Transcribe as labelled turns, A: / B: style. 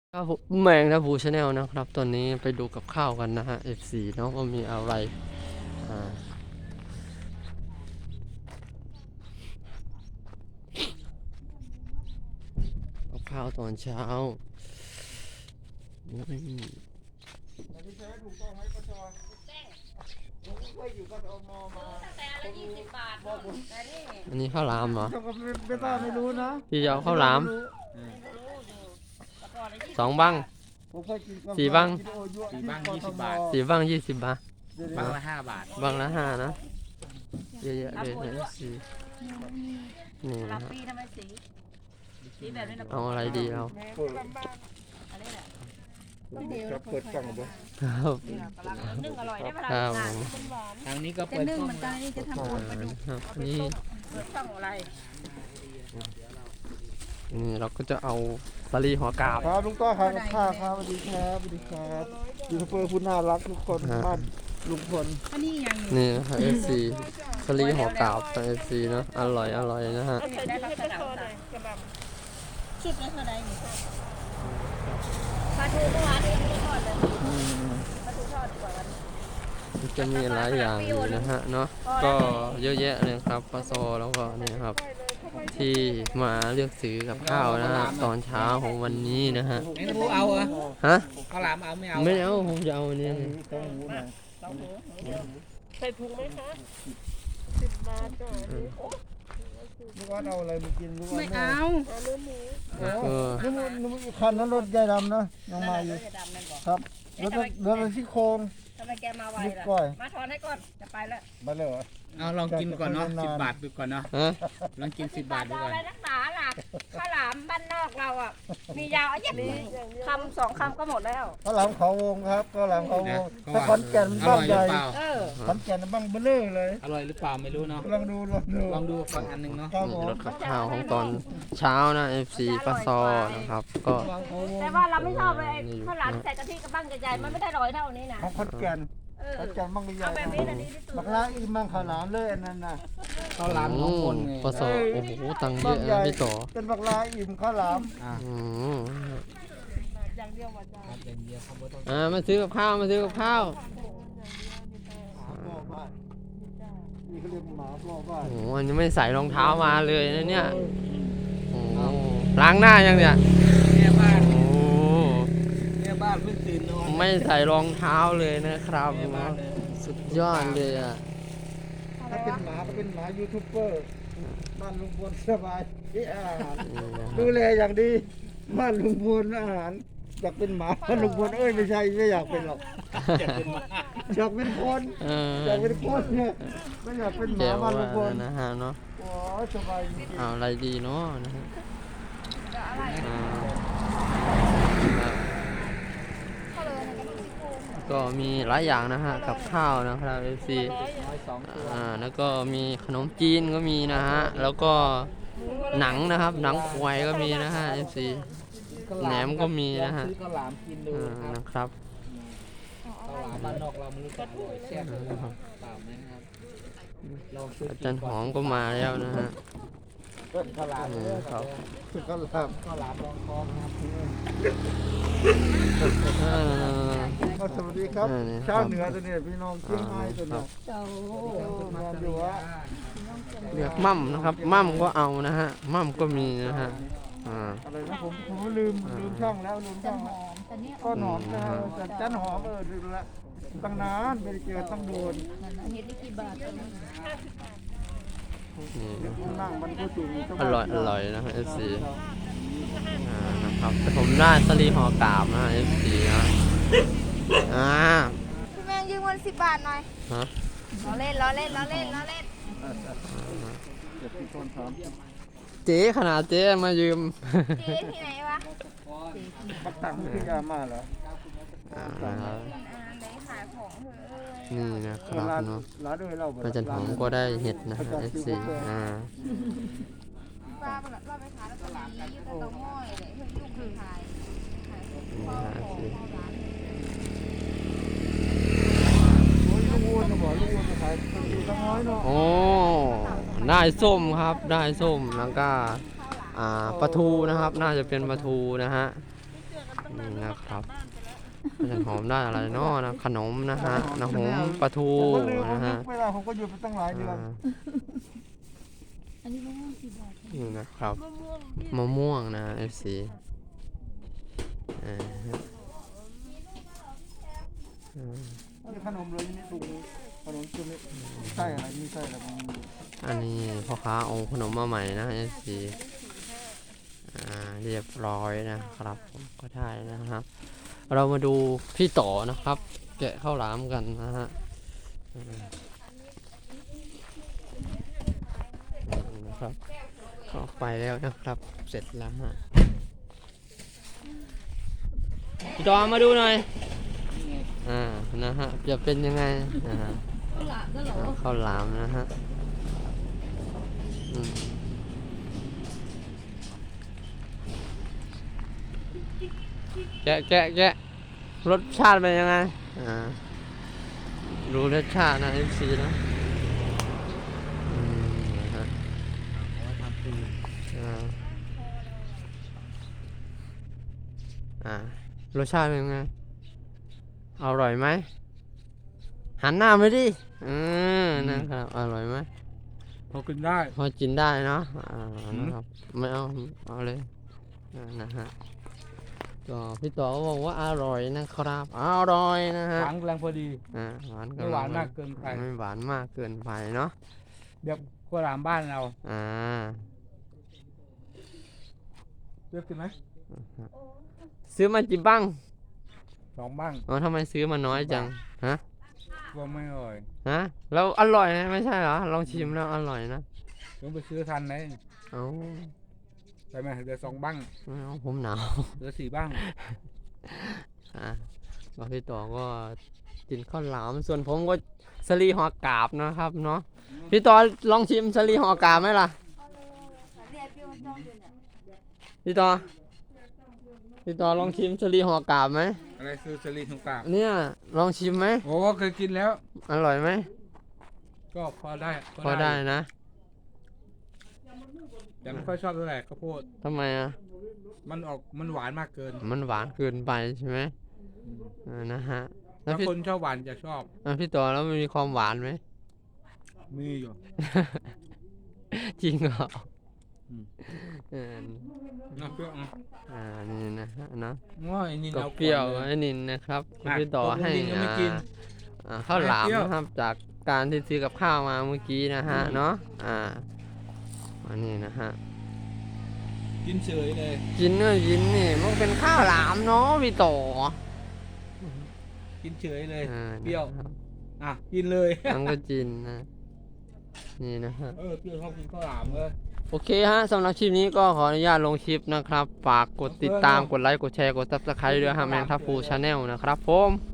A: ครับผมแมงนะบูชาแนลนะครับตอนนี้ไปดูกับข้าวกันนะฮะ F4 เนาะว่ามีอะไรอ่ากับข้าวตอนเช้านี่อันนี้ข้าวหลามเหรอ
B: ไม่รู้นะ
A: พี่จะเอาข้าวหลาม2 บัง
B: ผมเคยกิน
A: 4 บัง
C: 4 บัง20 บาท
A: 4 บัง 20 บาท
C: บังละ5 บาท
A: บังละ5นะเยอะๆเลยนะ F4 นี่นะ
D: รับ
A: ฮะ
D: ปีทำไมสีแบบนี้นะ
A: เอาอะไรดีเรา
D: อันนี้แหละ
B: จะเปิดกล่องบ่
A: ครับ
D: นึ่งอร่อยได้เวลา
A: ครับผม
C: ทางนี้ก็
D: จะ
C: เปิด
D: นึ่ง
C: กล้อง
D: เหมือนกันนี่จะทำปูนปลาดุก
A: ครับนี่
D: เปิดช่องอะไร
A: นี่เราก็จะเอาสลีหัวกาบ
B: ครับลุงต้อครับข้าวครับสวัสดีครับสวัสดีครับยูทูบเบอร์ผู้น่ารักทุกคนบ้านลุงพล
D: อันนี้ยัง
A: นี่นะครับ FC สลีหัวกาบของ FC เนอะอร่อยนะฮะ
D: ได้รับกระดาษชุดละเท่าไหร่นี่ปลาทูเมื่อวานนี้ไม่ทอดเลยปลาทูทอดดีกว่าวันนี้
A: จะมีหลายอย่างอยู่นะฮะเนาะก็เยอะแยะเลยครับปลาโซแล้วก็นี่ครับที่มาเลือกซื้อกับข้าวนะฮะตอนเช้าของวันนี้นะฮะ
C: ไม่รู้เอาเหรอ
A: ฮะ
C: ข้าวหลามเอาไม่เอา
A: ไม่เอาผมจะเอาอันนี้
B: ต้องหูหน่อย
E: ใส่ถุงไหมคะ10 บาทจ้ะ
B: ลูกว่าเอาอะไรมากินลูกว่า
D: ไม่เอา
E: เอาเนื้อหมู
A: เออ
B: นึกคันนั้นรถใหญ่ดำนะยังมาอยู่
D: จะดำนั่นบอก
B: ครับรถที่โครง
D: ทำไมแกมาไว
B: ลูก
D: ล่ะ
B: ก้อย
D: มาถอนให้ก่อนจะไปแล้ว
B: มาเลยเหรอ
C: เอาลองกินก่อนเนาะ10 บาทดูก่อนเนาะ
A: ฮะ
C: ลองกิน10 บาทดู
D: จะเอา
C: ก่อน
D: อะไรนักหนาล่ะข้าวหลามบ้านนอกเราอ่ะมียาวเย็บคำ2 คำก็หมดแล้ว
B: ข้าวหลามเขาวงครับข้าวหลามเขาวงถ้าขอนแก่น
C: อ
B: บ้า
C: ร่
B: ง
C: อยห
B: ให
C: รื
B: ญ่
C: อเปล่า
D: เออ
B: ขอนแก่นบ้างเบลอเลย
C: อร่อยหรือเปล่าไม่รู้เนาะ
B: ลองดู
C: ลองดูฟังอันหนึงเนาะ
B: ครับผ
A: นี่
B: ม
A: รถกับข้าวของตอนเช้านะ FC ปลาซอนะครับก็
D: แต่ว่าเราไม่ชอบเลยข้าวหลามใส่กะทิกับบ้างใหญ่ๆมันไม่ได้อร่อยเท่านี้นะ
B: ของขอนแก่น
D: เออ
B: ขอนแก่นบ้างใหญ่
D: เอาแบบนี้นะดีที่สุด
B: บักลาอีมังข้าวหลามเลยอันนั้นน่ะ
C: ข้าวหลามของคนไง
A: ปลาซอโอ้โหตังค์เยอะนะพี่ต่อ
B: เป็นบักลาอิ่มข้าวหลาม
C: อ่า
A: อืม
E: อย่างเดียวว่าจ้ะ
C: ครับเป็นเดียวครับบ่ต้อง
A: มาซื้อกับข้าวมาซื้อกับข้าว
B: พ่อบ้านนี่เขาเรียกหมาพ่อบ้าน
A: โอ้โหอันนี้ไม่ใส่รองเท้ามาเลยนะเนี่ยโอ้โหล้างหน้ายังเนี่ย
C: เนี่ยบ้าน
A: โอ้
C: เนี่ยบ้านเพิ่งตื่นนอน
A: ไม่ใส่รองเท้าเลยนะครับ
C: เนี่ยบ้านเลย
A: สุดยอดเลยอ่ะ
B: ถ้าเป็นหมาก็เป็นหมายูทูบเบอร์บ้านลุงพลสบายที่อาหาร
A: นี่นะค
B: ดู
A: รับ
B: แลอย่างดีบ้านลุงพลอาหารอยากเป็นหมาบ้านลุงพลเอ้ยไม่ใช่ไม่อยากเป็นหรอก
C: จะเป็นมา
B: อยากเป็นคน
A: เออ
B: อยากเป็นคนเนี่ยไม่อยากเป็นหมา
A: เจ๋ว
B: บ้านลุงพล
A: นะฮะเนาะ
B: โอ้ยสบายจริง
A: เอาอะไรดีเนาะนะฮะอ่าก็มีหลายอย่างนะฮะกับข้าวนะครับ FC แล้วก็มีขนมจีนก็มีนะฮะแล้วก็หนังนะครับหนังควายก็มีนะฮะ FC แหนมก็มีนะฮะ
C: ซื้อข้าวหลามกินดูครับ
A: นะครับ
C: ข้าวหลามบ้านนอกเราไม่รู้จะอร่อยแซ่บหรือเปล่านะครับลองซื้อ
A: อา
C: กิน
A: จารย์หอมก็มาแล้วนะฮะ
B: ๆข้าวหลาม
A: ครับ
B: ข้าวหลาม
C: ข้าวหลามรองท้องนะครับ
B: สวัสดีครับ
A: นี่ครับ
B: ชาวเหนือตัวนี้พี่น้องเชียงรายตัวนี้
D: เจ้า
B: งานอยู่วะ
A: เรียกมั่มนะครับมั่มก็เอานะฮะมั่มก็มีนะฮะ
B: อะไรนะผมลืมช่องแล้วลืมช่องแล้ว
D: แต่เนี้ย
B: ก็หนอนนะแต่จันหอมลืมละตั้งนานไม่ได้เจอต้องโดน
D: เห็ดได้กี่บาทตอนนี้
A: นี่
B: นั่งมันก็สูง
A: อร่อยนะฮะ FC นะครับแต่ผมได้สลีห่อกาบนะ FC นะ
F: พี่แมงยืมเงิน10 บาทหน่อย
A: ฮะ
F: ล้อเล่น
B: เจ็บที่ต้นถาม
A: เจ๊ขนาดเจ๊มายืม
F: เจ๊ที่ไหนวะ
B: ปักตังไม่คือยามาเหรอ
A: นะครับ
F: ไหนขายของเถอะ
A: นี่นะครับเนาะ
B: ร้านด้วยเรา
A: อาจารย์หอมก็ได้เห็ดนะฮะ FC
F: ป้าไปขายแล้วก็มีอยู่กับเตาง้อยเลยเพื่อนยุ่งคือขายข้าวของข้าวร้าน
B: โอ้ยลูกวัวจะบอกลูกวัวจะขายดูตั้งน้อยเนาะ
A: โอ้ได้ส้มครับได้ส้มแล้วก็ปลาทูนะครับน่าจะเป็นปลาทูนะฮะนี่นะครับจะหอมได้อะไรเนาะนะขนมนะฮะนะหอมปลาทู
B: ผมก็ลืม
A: นะฮะ
B: ไม่ได้ผมก็หยุดไปตั้งหลายเดือน
F: อันนี้มะม่วงกี่บาท
A: นี่นะครับ
E: มะม่วงที่
A: มะม่วงนะ FC
B: นี่ขนมเลยนี่ถุงขนมจุ่มนี่ไส้อะไรมีไส้อะไรบ้าง
A: อันนี้พ่อค้าเอาขนมมาใหม่นะ FC เรียบร้อยนะครับผมก็ได้นะครับ เรามาดูพี่ต่อนะครับ แกะข้าวหลามกันนะฮะนี่นะครับเข้าไปแล้วนะครับ เสร็จแล้วฮะพี่ต่อมาดูหน่อยนะฮะจะเป็นยังไงนะฮะ
F: ข้าวหลามก็เหรอ
A: ข้าวหลามนะฮะแกะรสชาติเป็นยังไงรู้รสชาตินะ FC นะนะฮะรสชาติเป็นยังไงอร่อยไหมหันหน้าไปดินะครับอร่อยไหม
C: พอกินได้
A: พอกินได้เนาะนะครับไม่เอาเลยนะฮะก็พี่ต่อก็บอกว่าอร่อยนะครับอร่อยนะฮะ
C: หวานกำลังพอดี
A: หวาน
C: ไม่หวานมากเกินไป
A: ไม่หวานมากเกินไปเนาะ
C: แบบข้าวหลามบ้านเรา เลือกกินไหม
A: ซื้อมากี่บ้าง
C: 2 บ้าง
A: ทำไมซื้อมาน้อยจังฮะ
C: ว่าไม่อร่อย
A: แล้วอร่อยนะไม่ใช่เหรอลองชิมแล้วอร่อยนะ
C: ต้องไปซื้อทันไหม
A: เอา
C: ไปไหมเหลือ2 บ้าง
A: ไม่เอาผมหนาว
C: เหลือ4 บ้าง
A: ก็พี่ต่อก็กินข้าวหลามส่วนผมก็สลีห่อกาบนะครับเนาะพี่ต่อลองชิมสลีห่อกาบไหมล่ะพี่ต่อลองชิมสลีห่อกาบไหม
C: อะไรคือสลีนของกาก
A: เนี่ยลองชิมไหม
C: โอ้เคยกินแล้ว
A: อร่อยไหม
C: ก็พอได้
A: พอได้นะ
C: แต่ไม่ค่อยชอบเท่าไหร่ข้าวโพด
A: ทำไม
C: มันหวานมากเกิน
A: มันหวานเกินไปใช่ไหมนะฮะแล้ว
C: ถ้า
A: พี่
C: คนชอบหวานจะชอบ
A: พี่ต่อแล้วมันมีความหวานไหม
C: มีอยู่
A: จริงเหรอ
C: อืม
A: เ
C: น้ำเปรี้ยว
A: นี่นะฮะนะ
C: ง้อยนี่
A: ก็
C: เรา
A: เปรี้ยว
C: ก่อนล
A: ไอ้นินนะครับ
C: อ่ะ
A: พี่ต่อให้
C: ตกลงนินยังไม่กิน
A: ข้าวหลาม
C: เปรี้ยว
A: นะครับจากการที่ซื้อกับข้าวมาเมื่อกี้นะฮะเนาะอันนี้นะฮะ
C: กินเฉยเลย
A: กินนี่มันเป็นข้าวหลามเนาะพี่ต่อ
C: กินเฉยเลย
A: อ่า
C: เปรี้ยว
A: นะครับ
C: กินเลย
A: มันก็กินนะนี่นะฮะ
C: เปรี้ยวชอบกินข้าวหลามเลย
A: โอเคฮะสำหรับคลิปนี้ก็ขออนุญาตลงคลิปนะครับฝากกดติดตามกดไลค์กดแชร์กด Subscribe ด้วยฮะแมงทัพฟูชาแนลนะครับผม